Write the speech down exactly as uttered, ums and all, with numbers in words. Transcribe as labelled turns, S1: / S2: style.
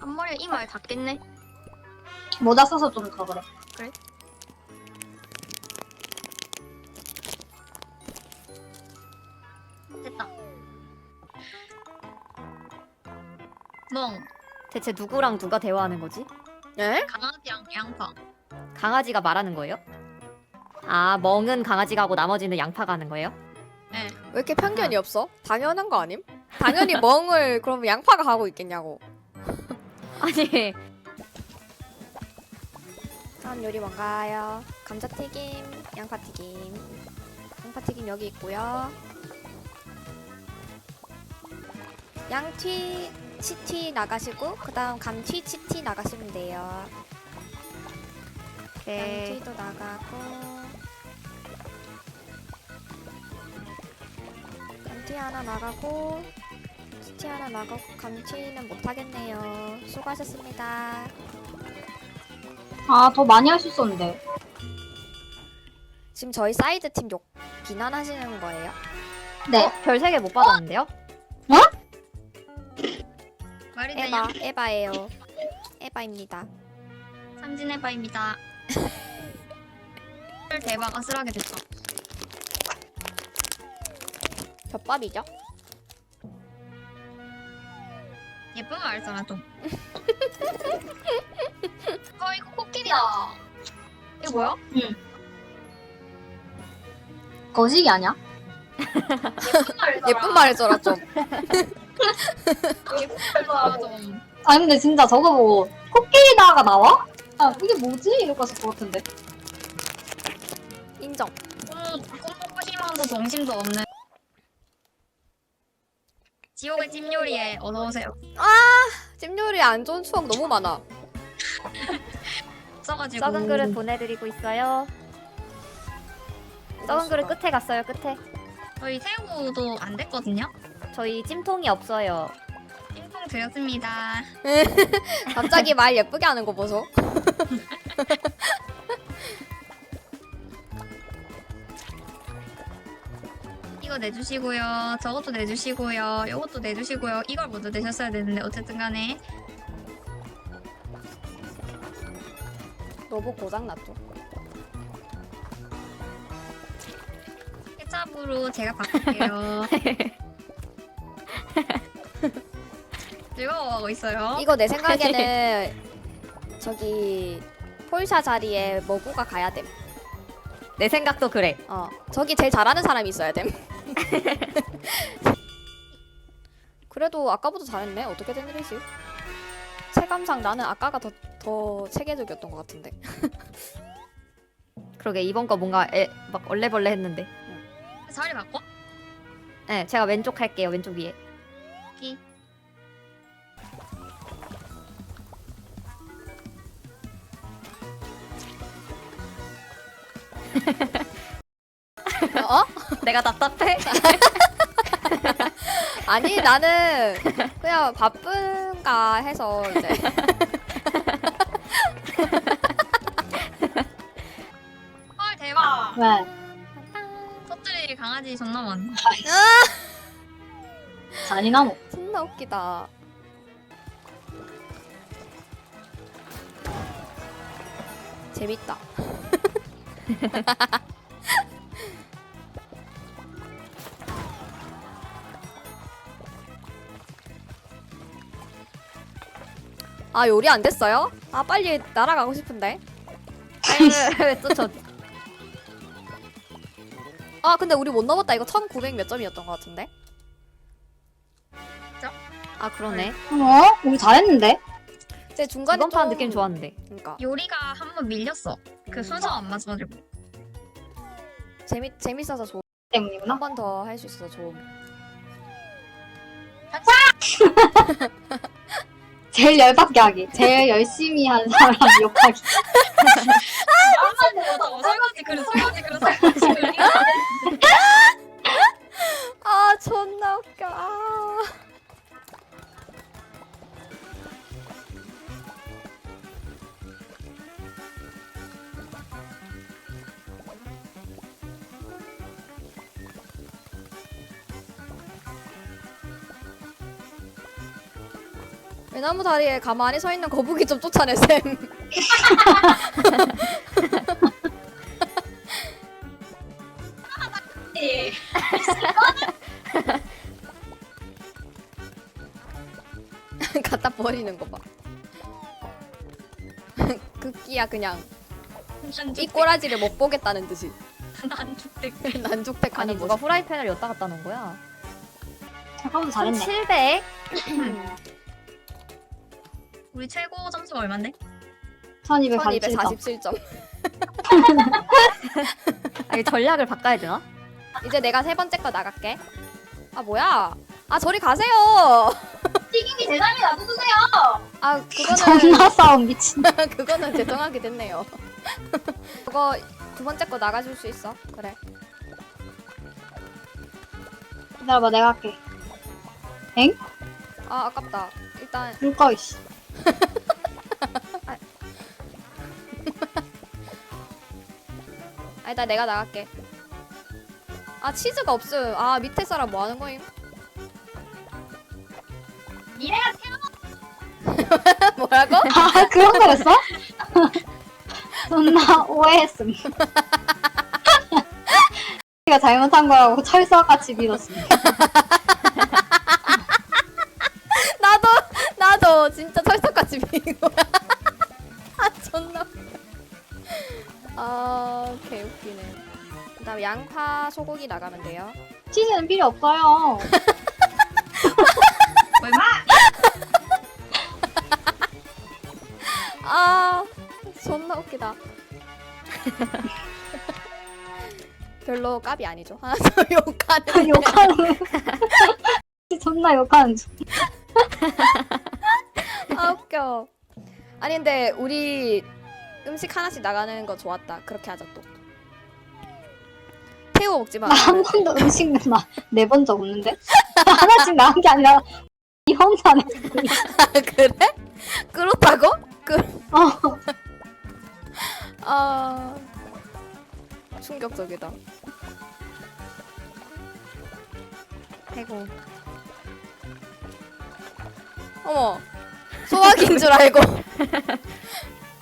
S1: 앞머리가 이마에 닿겠네.
S2: 모자 써서 좀 더 그래.
S1: 그래? 됐다. 멍.
S3: 대체 누구랑 누가 대화하는 거지?
S4: 에?
S1: 강아지랑 양파.
S3: 강아지가 말하는 거예요? 아, 멍은 강아지가 하고 나머지는 양파가 하는 거예요?
S1: 네.
S4: 왜 이렇게 편견이 없어? 당연한 거 아님? 당연히 멍을 그러면 양파가 하고 있겠냐고.
S3: 아니,
S4: 다음 요리 뭔가요? 감자튀김, 양파튀김. 양파튀김 여기 있고요. 양튀, 치튀 나가시고 그 다음 감튀, 치튀 나가시면 돼요.
S3: 오케이.
S4: 양튀도 나가고 감튀 하나 나가고 치튀 하나 나가고 감튀는 못하겠네요. 수고하셨습니다.
S2: 아, 더 많이 할 수 있었는데.
S4: 지금 저희 사이드 팀 욕 비난하시는 거예요?
S2: 네.
S3: 어? 별 세 개 못 받았는데요?
S1: 말이
S4: 에바,
S1: 되냐?
S4: 에바예요. 에바입니다.
S1: 삼진 해바입니다. 대박 아슬하게 됐다.
S4: 겹밥이죠?
S1: 예쁜 말 써라 좀. 어 이거 코끼리다. 이거 뭐야?
S2: 거식이 아니야?
S1: 예쁜 말 써라.
S4: 예쁜 말 해줘라 좀.
S1: 예쁜 말 써라 좀.
S2: 아니, 근데 진짜 저거 보고 코끼리다가 나와? 아, 이게 뭐지? 이러고 했을 것 같은데.
S4: 인정.
S1: 꿈, 꿈 먹고 싶어도 정신도 없는. 지옥의 찜요리에 어서오세요.
S4: 찜요리 안 좋은 추억 너무 많아.
S1: 써가지고.
S3: 썩은 그릇 보내드리고 있어요. 썩은 그릇 끝에 갔어요, 끝에.
S1: 저희 새우도 안 됐거든요.
S3: 저희 찜통이 없어요.
S1: 찜통 드렸습니다.
S4: 갑자기 말 예쁘게 하는 거 보소.
S1: 이거 내주시고요. 저것도 내주시고요. 이것도 내주시고요. 이걸 먼저 내셨어야 되는데 어쨌든 간에
S4: 너무 고장났죠?
S1: 케찹으로 제가 바꿀게요. 즐거워하고 있어요.
S4: 이거 내 생각에는 저기 폴샤 자리에 머구가 가야 됨.
S3: 내 생각도 그래.
S4: 어, 저기 제일 잘하는 사람이 있어야 됨. 그래도 아까보다 잘했네. 어떻게 된 일이지? 체감상 나는 아까가 더, 더 체계적이었던 것 같은데.
S3: 그러게, 이번 거 뭔가 애, 막 얼레벌레 했는데.
S1: 자리 바꿔?
S3: 네, 제가 왼쪽 할게요, 왼쪽 위에.
S1: 기.
S4: 어?
S3: 내가 답답해?
S4: 아니 나는 그냥 바쁜가 해서 이제
S1: 헐 대박.
S2: 왜?
S1: 터뜨릴 강아지 존나 많네.
S2: 잔인하노.
S4: 존나 웃기다. 재밌다. 아 요리 안 됐어요? 아 빨리 날아가고 싶은데.
S3: 왜또 저,
S4: 아 근데 우리 못 넘었다. 이거 천구백 몇 점이었던 것 같은데.
S3: 아, 그러네.
S2: 어? 우리 잘했는데?
S4: 이제 중간에
S3: 이번 판
S4: 좀-
S3: 느낌 좋았는데.
S4: 그러니까
S1: 요리가 한 번 밀렸어. 그 순서 안 맞아가지고.
S4: 재미 재밌어서 좋.
S2: 때문이구나.
S4: 한 번 더 할 수 있어서 좋음.
S2: 제일 열받게 하기. 제일 열심히 한 사람 욕하기.
S1: 어, 설거지 그릇 설거지 그릇 설거지 그릇.
S4: 아 존나 웃겨. 아. 외나무 다리에 가만히 서 있는 거북이 좀 쫓아내 쌤. 갖다 버리는 거 봐. 극기야 그냥 이 꼬라지를 못 보겠다는 듯이
S1: 난죽대.
S4: 난죽택
S3: 아니
S4: 하는
S3: 누가
S4: 모습.
S3: 후라이팬을 였다 갔다 놓은 거야?
S2: 아까보다 잘했네.
S3: 칠백.
S1: 우리 최고 점수가 얼만데?
S2: 천이백사십칠 점.
S4: 천이백사십칠 점.
S3: 아니 전략을 바꿔야 되나?
S4: 이제 내가 세 번째 거 나갈게. 아 뭐야? 아 저리 가세요.
S2: 튀김이 대장이 놔두세요.
S4: 아 그거는
S2: 존나 싸움 미친.
S4: 그거는 죄송하게 됐네요. 그거 두 번째 거 나가줄 수 있어? 그래.
S2: 기다려봐 내가 할게.
S4: 아 아깝다. 일단
S2: 물꺼 이씨.
S4: 아 일단 내가 나갈게. 아 치즈가 없음. 아 밑에 사람 뭐 하는 거임?
S2: 니네가
S4: 뭐라고?
S2: 아 그런 거였어? 존나 오해했음. 가 잘못한 거라고 철석같이 믿었음.
S4: 나도 나도 진짜 철석같이 비인 거야. 아 존나. 웃겨. 아 개웃기네. 그다음 양파 소고기 나가면 돼요.
S2: 치즈는 필요 없어요.
S1: 얼마?
S4: 아 존나 웃기다. 별로 깝이 아니죠. 하나 더 욕하는.
S2: 욕하는. 존나 욕하는 중.
S4: 아 웃겨. 아니 근데 우리 음식 하나씩 나가는 거 좋았다. 그렇게 하자 또. 태우 먹지 마.
S2: 나 한 번도 음식 내본 적 없는데? 하나씩 나온 게 아니라 이 혼자 내.
S4: 아, 그래? 그렇다고? 그.
S2: 어.
S4: 아 충격적이다.
S3: 아이고.
S4: 어머 소화기인 줄 알고